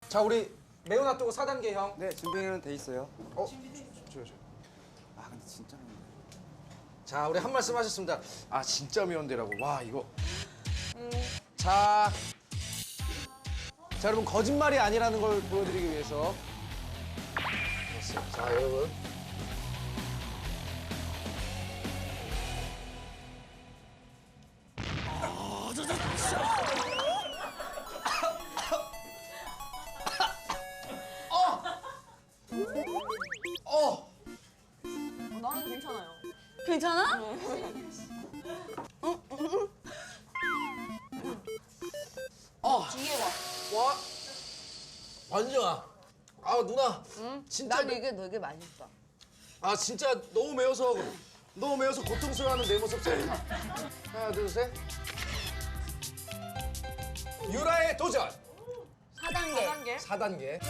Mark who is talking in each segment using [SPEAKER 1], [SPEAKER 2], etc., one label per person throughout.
[SPEAKER 1] 자, 우리 매운 핫도그 4단계 형.
[SPEAKER 2] 네, 준비는 돼 있어요.
[SPEAKER 1] 줘요.
[SPEAKER 2] 아, 근데 진짜 매운데.
[SPEAKER 1] 자, 우리 한 말씀 하셨습니다. 아, 진짜 매운데라고. 와, 이거. 자, 여러분 거짓말이 아니라는 걸 보여드리기 위해서. 됐어요. 자, 여러분.
[SPEAKER 3] 나는 괜찮아요.
[SPEAKER 4] 괜찮아?
[SPEAKER 3] 뒤에 와.
[SPEAKER 1] 와, 완전아. 아, 누나. 진짜.
[SPEAKER 4] 난 이게 되게 맛있어.
[SPEAKER 1] 아, 진짜 너무 매워서 고통스러워하는 내 모습 좀. 하나, 둘, 셋. 유라의 도전.
[SPEAKER 4] 4단계.
[SPEAKER 1] 4단계.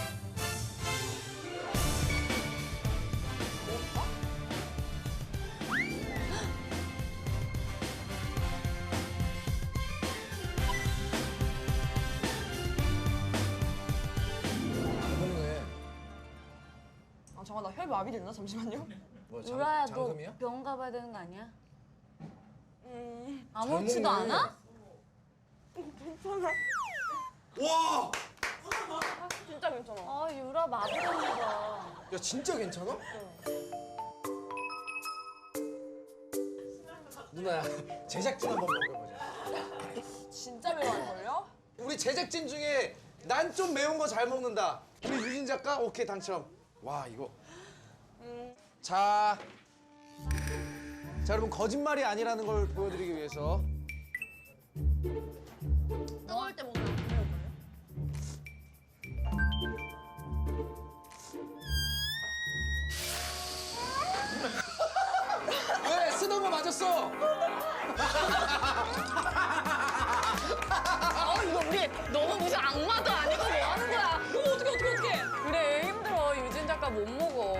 [SPEAKER 1] 먹네.
[SPEAKER 3] 아 잠깐 나 혈마비 됐나? 잠시만요.
[SPEAKER 1] 뭐
[SPEAKER 4] 유라야, 너
[SPEAKER 1] 장금이야?
[SPEAKER 4] 병원 가봐야 되는 거 아니야? 아무렇지도
[SPEAKER 1] 잘 먹네.
[SPEAKER 4] 않아?
[SPEAKER 1] 와!
[SPEAKER 3] 진짜 괜찮아.
[SPEAKER 4] 아, 유라 마비됐나 봐.
[SPEAKER 1] 야, 진짜 괜찮아? 누나야, 제작진 한번 먹어보자.
[SPEAKER 3] 진짜 매워할걸요?
[SPEAKER 1] 우리 제작진 중에 난 좀 매운 거 잘 먹는다. 우리 유진 작가 오케이 당첨. 와, 이거. 자, 여러분 거짓말이 아니라는 걸 보여드리기 위해서.
[SPEAKER 3] 뜨거울 때 먹으면 안 매울걸요?
[SPEAKER 1] 왜 쓰던 거 맞았어?
[SPEAKER 4] 이거 우리 너무 무슨 악마도 아니고 뭐 하는 거야?
[SPEAKER 3] 이거 어떡해.
[SPEAKER 4] 그래, 힘들어. 유진 작가 못 먹어.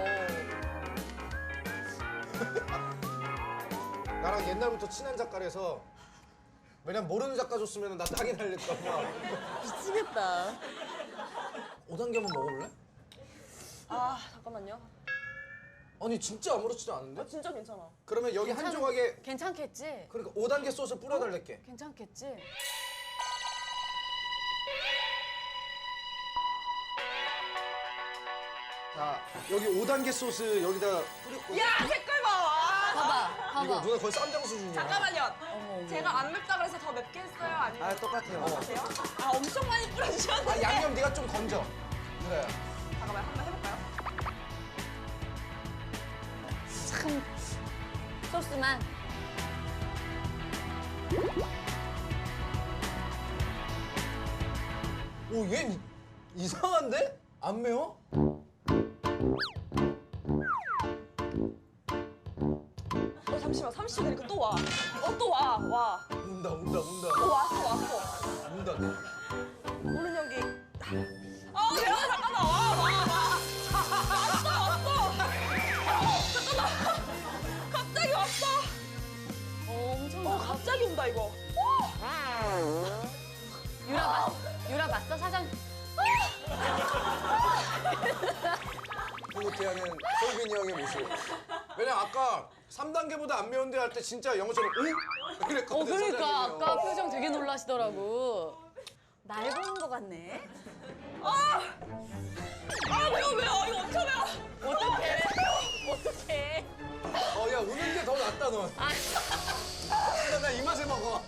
[SPEAKER 1] 나랑 옛날부터 친한 작가라서 왜냐면 모르는 작가 줬으면 나 땅이 날릴까 봐.
[SPEAKER 4] 미치겠다.
[SPEAKER 1] 5단계 한번 먹어볼래?
[SPEAKER 3] 아 잠깐만요.
[SPEAKER 1] 아니 진짜 아무렇지도 않은데?
[SPEAKER 3] 아 진짜 괜찮아.
[SPEAKER 1] 그러면 여기 한 조각에
[SPEAKER 4] 괜찮겠지?
[SPEAKER 1] 그러니까 5단계 소스 뿌려달랄게.
[SPEAKER 4] 괜찮겠지?
[SPEAKER 1] 자, 여기 5단계 소스 여기다 뿌리고.
[SPEAKER 3] 야 색깔 봐.
[SPEAKER 4] 봐봐,
[SPEAKER 1] 이거
[SPEAKER 4] 봐봐.
[SPEAKER 1] 누나 거의 쌈장 수준이야.
[SPEAKER 3] 잠깐만요.
[SPEAKER 4] 어머.
[SPEAKER 3] 제가 안 맵다 그래서 더 맵게 했어요? 아니면
[SPEAKER 2] 아, 똑같아요.
[SPEAKER 3] 어때요? 아 엄청 많이 뿌려주셨는데.
[SPEAKER 1] 아, 양념 네가 좀 건져. 그래.
[SPEAKER 3] 잠깐만 한번 해볼까요?
[SPEAKER 4] 참. 소스만.
[SPEAKER 1] 오, 얘 이상한데? 안 매워?
[SPEAKER 3] 잠시만 30초 되니까 또 와. 또 와. 와.
[SPEAKER 1] 운다.
[SPEAKER 3] 왔어.
[SPEAKER 1] 운다.
[SPEAKER 3] 오른 연기. 매워 잠깐만. 와. 왔어. 잠깐만. 갑자기 왔어.
[SPEAKER 4] 엄청.
[SPEAKER 3] 갑자기 온다 이거.
[SPEAKER 4] 유라 맞서 사장.
[SPEAKER 1] 흐뭇해하는 솔빈이 형의 모습. 왜냐면 아까 3단계보다 안 매운데 할 때 진짜 영어처럼 응? 이랬거든.
[SPEAKER 4] 그러니까
[SPEAKER 1] 사장님이.
[SPEAKER 4] 아까 표정 되게 놀라시더라고. 날 보는 거 같네.
[SPEAKER 3] 매워. 이거 엄청 매워.
[SPEAKER 4] 어떡해.
[SPEAKER 1] 야, 우는 게 더 낫다, 넌. 나 이 맛에 먹어.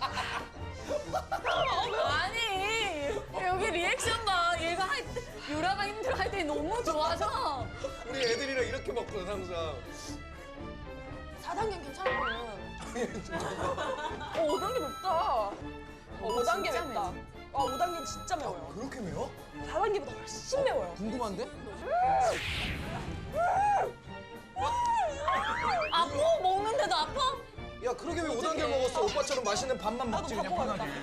[SPEAKER 4] 아니 여기 리액션 봐. 얘가 할 때, 유라가 힘들어 할 때 너무 좋아서.
[SPEAKER 1] 우리 애들이랑 이렇게 먹거든, 항상.
[SPEAKER 3] 4단계 괜찮거든. 5단계 맵다. 5단계
[SPEAKER 4] 진짜
[SPEAKER 3] 맵다.
[SPEAKER 4] 매워.
[SPEAKER 3] 5단계는 진짜 매워요.
[SPEAKER 1] 그렇게 매워?
[SPEAKER 3] 4단계보다 훨씬 매워요.
[SPEAKER 1] 궁금한데?
[SPEAKER 4] 아파? 먹는데도 아파?
[SPEAKER 1] 야, 그러게 왜 5단계 먹었어? 오빠처럼 맛있는 밥만 먹지, 그냥
[SPEAKER 3] 바꿔
[SPEAKER 1] 편하게.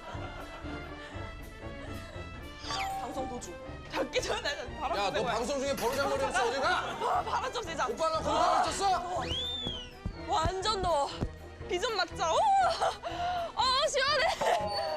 [SPEAKER 3] 방송 도주. 닫기 전에 바로
[SPEAKER 1] 야, 너 방송 중에 버르장머리 없어, 어디 가?
[SPEAKER 3] 바로 좀 세자.
[SPEAKER 1] 오빠랑 거기서 있었어?
[SPEAKER 3] 완전 더워. 비 좀 맞자. 오! 시원해.